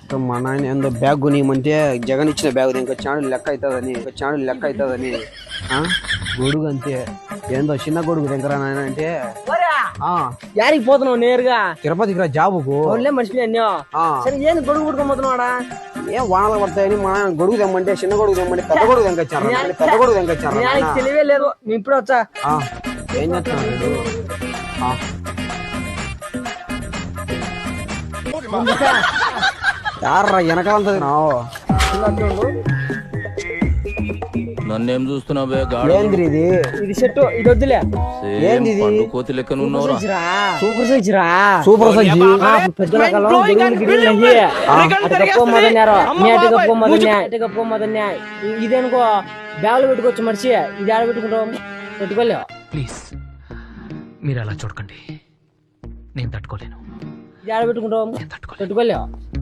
మా నాయన ఏందో బ్యాగ్ కొనియమంటే జగన్ ఇచ్చిన బ్యాగ్ ఇంకా చాడు లెక్క అవుతుందని గొడుగు అంతే ఏందో చిన్న గొడుగు దగ్గర నాయన అంటే యారికి పోతున్నావు నేరుగా తిరుపతికి రా జాబుకు మర్చిపోయా సరే ఏంది గొడుగు పుట్టుకోబోతున్నావాడా ఏం వానలు పడతాయని మా నాయన గొడుగు తెమ్మంటే చిన్న గొడుగు తెమ్మంటే పెద్ద గొడుగు తెంకొచ్చారు తెలివే లేదు మీ ఇప్పుడు వచ్చా ఏం చేస్తున్నాడు యార్రా వెనకాలంతా నన్నేం చూస్తున్నావే ఏంది ఇది ఇది చెట్టు ఇది వద్దులే ఏంది ఇది కోతి లెక్కన సూపర్ సైజ్ రా సూపర్ సజ్జి పెద్ద రకాలు ఇదేనుకో బ్యాగులు పెట్టుకోవచ్చు మనిషి ఇది ఆడ పెట్టుకుంటాం పెట్టుకోలేవు ప్లీజ్ మీరు అలా చూడకండి నేను తట్టుకోలేను ఇది ఆడ పెట్టుకుంటాం పెట్టుకోలేవు